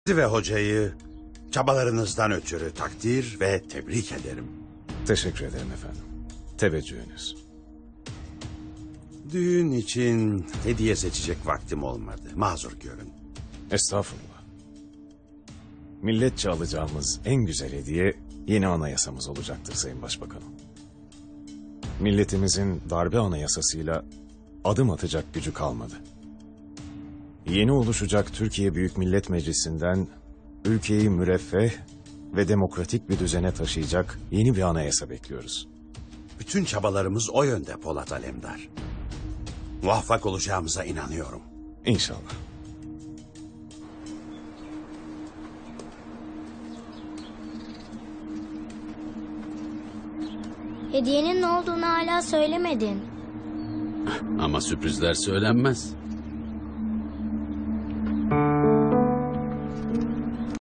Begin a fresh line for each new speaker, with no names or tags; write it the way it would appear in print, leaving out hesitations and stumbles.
Ve hocayı çabalarınızdan ötürü takdir ve tebrik ederim.
Teşekkür ederim efendim. Teveccühünüz.
Düğün için hediye seçecek vaktim olmadı. Mazur görün.
Estağfurullah. Milletçe alacağımız en güzel hediye yeni anayasamız olacaktır Sayın Başbakanım. Milletimizin darbe anayasasıyla adım atacak gücü kalmadı. Yeni oluşacak Türkiye Büyük Millet Meclisi'nden ülkeyi müreffeh ve demokratik bir düzene taşıyacak yeni bir anayasa bekliyoruz.
Bütün çabalarımız o yönde Polat Alemdar. Muvaffak olacağımıza inanıyorum.
İnşallah.
Hediyenin ne olduğunu hala söylemedin.
Ama sürprizler söylenmez.